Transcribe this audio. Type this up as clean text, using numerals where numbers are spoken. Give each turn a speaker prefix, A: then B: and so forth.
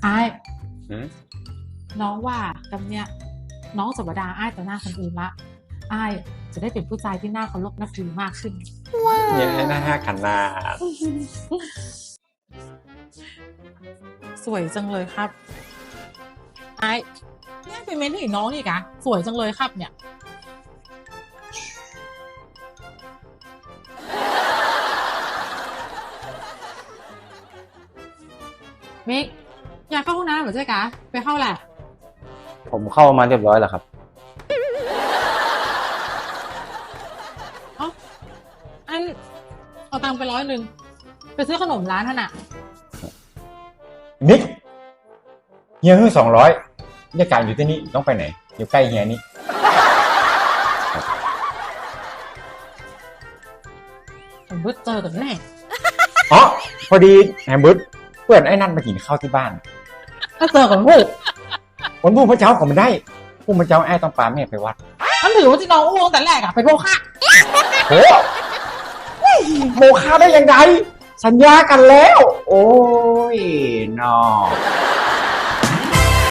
A: ไอ้
B: หืม
A: น้องว่ากำเนี้ยน้องจะบดาไอ้ต่อหน้าคนอื่นละไอ้จะได้เป็นผู้ชายที่น่าเคารพนับถือมากขึ้น
B: ยังไงนะฮะขนาด
A: สวยจังเลยครับไอ้เนี่ยเป็นเมนที่น้องนี่กะสวยจังเลยครับเนี่ยมิกอยากเข้าห้องน้ำเหรอเจ๊กะไปเข้าแหละ
B: ผมเข้ามาเรียบร้อยแล้วครับ
A: เอ้าอันเอาตังค์ไป100ไปซื้อขนมร้านท่านอะ
B: มิกเฮียฮื้อ200บรรยากาศอยู่ที่นี่ต้องไปไหนอยู่ใกล้เฮียนี่
A: ผมเพิ่งเจอกันแน่
B: อ๋อพอดีแฮมเบิร์ตเพื่อนไอ้นั่นมากินข้าวที่บ้าน
A: ถ้าเจอกันพูด
B: วันพรุ่งพระเจ้าก็ไม่ได้พรุ่งพระเจ้าไอ้ต้องปาแม่ไปวัด
A: มันถือว่าที่น้องอ้วงแต่แรกอะไปโบค่ะ
B: โหโมฆะได้ยังไงสัญญากันแล้ว โอ้ยนอ